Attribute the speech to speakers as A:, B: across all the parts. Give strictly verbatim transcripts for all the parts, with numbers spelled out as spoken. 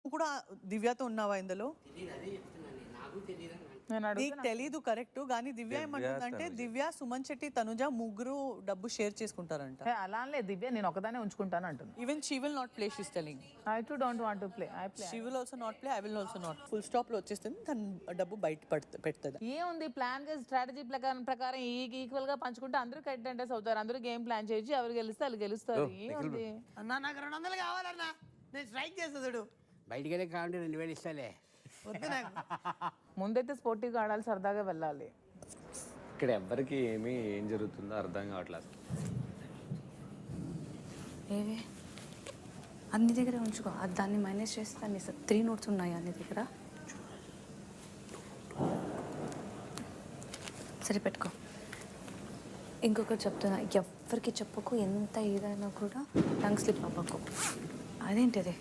A: కూడా దివ్యతో ఉన్నావా ఇందులో? నీకు తెలీదు కరెక్ట్, కానీ దివ్య ఏమంటుందంటే దివ్య సుమన్ శెట్టి తనుజ ముగ్గురు డబ్బు షేర్ చేసుకుంటారంట.
B: అలా లే దివ్య నేను ఒకదానే ఉంచుకుంటాను అంటుంది.
A: Even she will not play, she is telling.
B: I to don't want to play. I play.
A: She will also not play, I will also not. Full stop లో వచ్చేస్తుంది, తన డబ్బు బయట పెడుతుంది.
B: ఏముంది ప్లాన్ గా స్ట్రాటజీ ప్రకారం ప్రకారం ఈక్వల్ గా పంచుకుంటే అందరూ కంటెంటర్స్ అవుతారు. అందరూ గేమ్ ప్లాన్ చేసి ఎవరు గెలిస్తే వాళ్ళు గెలుస్తారు. ఏముంది
C: అన్నా నాకు రెండు వందలు కావాలన్నా, నేను స్ట్రైక్ చేస్తాడు.
D: బయటికి వెళ్ళి కావాలంటే రెండు వేలు ఇస్తాలే.
C: వద్దు నాకు.
B: ముందైతే స్పోర్టివ్గా ఆడాలి, సరదాగా వెళ్ళాలి.
E: ఇక్కడ ఎవరికి ఏమి ఏం జరుగుతుందో అర్థం కావట్లేదు.
F: ఏవే అన్ని దగ్గర ఉంచుకో, అది దాన్ని మైనస్ చేస్తే అన్ని త్రీ నోట్స్ ఉన్నాయి అన్ని దగ్గర. సరే పెట్టుకో. ఇంకొకటి చెప్తున్నా, ఎవరికి చెప్పకు, ఎంత ఏదైనా కూడా టంగ్ స్లిప్ అవ్వకు. అదేంటిది?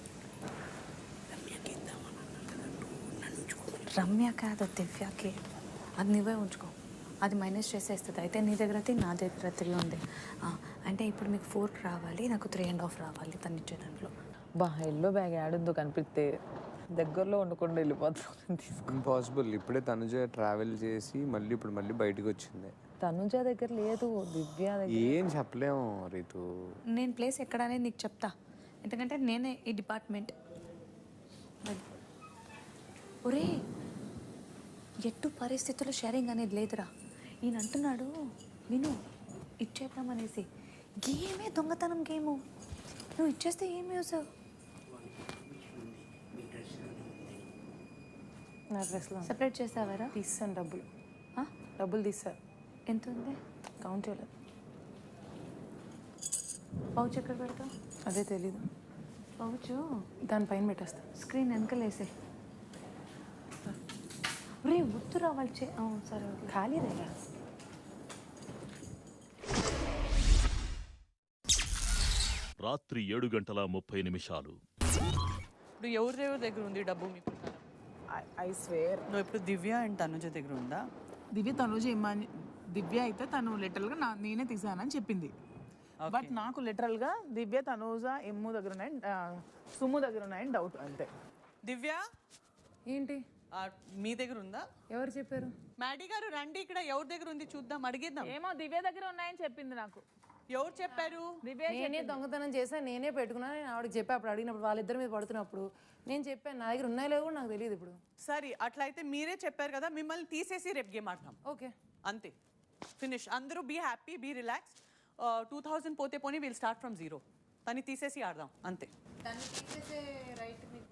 F: రమ్య కాదు దివ్యకి, అది నువ్వే ఉంచుకో, అది మైనస్ చేసేస్తుంది. అయితే నీ దగ్గర త్రీ, నా దగ్గర త్రీ ఉంది. అంటే ఇప్పుడు మీకు ఫోర్ రావాలి, నాకు త్రీ అండ్ హాఫ్ రావాలి తను ఇచ్చే దాంట్లో.
B: బా ఎల్లో బ్యాగ్ యాడుందో కనిపిస్తే దగ్గరలో ఉండకుండా వెళ్ళిపోతాను.
E: ఇంపాసిబుల్. ఇప్పుడే తనుజ ట్రావెల్ చేసి మళ్ళీ ఇప్పుడు మళ్ళీ బయటకు వచ్చింది.
B: తనుజ దగ్గర లేదు, దివ్య దగ్గర.
E: ఏం చెప్పలేము రీతు.
F: నేను ప్లేస్ ఎక్కడ అనేది నీకు చెప్తా, ఎందుకంటే నేనే ఈ డిపార్ట్మెంట్. ఒరే ఎట్టు పరిస్థితుల్లో షేరింగ్ అనేది లేదురా. ఈయన అంటున్నాడు నేను ఇచ్చేద్దామనేసి. గేమే దొంగతనం గేము, నువ్వు ఇచ్చేస్తే ఏం యూస్?
B: నా డ్రెస్లో
F: సెపరేట్ చేసావారా?
B: తీసాను డబ్బులు. డబ్బులు తీసారు.
F: ఎంత ఉంది?
B: కౌంట్ చేయలేదు.
F: పౌచ్ ఎక్కడ పెడతావు?
B: అదే తెలీదు.
F: పౌచ్
B: దానిపైన పెట్టేస్తా.
F: స్క్రీన్ వెనకలేసే. రే వద్దు రావాలి చే సరే
B: ఖాళీ దగ్గర.
G: రాత్రి ఏడు గంటల ముప్పై నిమిషాలు.
A: ఇప్పుడు ఎవరెవరి దగ్గర ఉంది డబ్బు మీకు?
B: I swear.
A: నువ్వు ఇప్పుడు దివ్య అండ్ తనుజ దగ్గర ఉందా?
B: దివ్య తనుజ ఇమ్మాని దివ్య అయితే తను లిటరల్గా నా నేనే తీసానని చెప్పింది. బట్ నాకు లిటరల్గా దివ్య తనుజ ఎమ్ము దగ్గర ఉన్నాయని, సుమ్ము దగ్గర ఉన్నాయని డౌట్ అంతే.
A: దివ్య
B: ఏంటి
A: మీ దగ్గర ఉందా?
B: ఎవరు చెప్పారు?
A: మ్యాడీ గారు రండి, ఇక్కడ ఎవరి దగ్గర ఉంది చూద్దాం, అడిగేద్దాం.
B: ఏమో దివ్య దగ్గర ఉన్నాయని చెప్పింది నాకు.
A: ఎవరు చెప్పారు?
C: నేనే దొంగతనం చేసా, నేనే పెట్టుకున్నా. నేను ఆవిడకి చెప్పా అప్పుడు అడిగినప్పుడు, వాళ్ళిద్దరి మీద పడుతున్నప్పుడు నేను చెప్పాను నా దగ్గర ఉన్నాయో లేవో నాకు తెలియదు. ఇప్పుడు
A: సరే అట్లయితే మీరే చెప్పారు కదా, మిమ్మల్ని తీసేసి రేపు గేమ్ ఆడతాం.
C: ఓకే
A: అంతే, ఫినిష్. అందరూ be happy, be relax. Two thousand పోతే పోనీ విల్ స్టార్ట్ ఫ్రమ్ జీరో. తను తీసేసి ఆడదాం అంతే.
F: దాన్ని తీసేసే రైట్ మీకు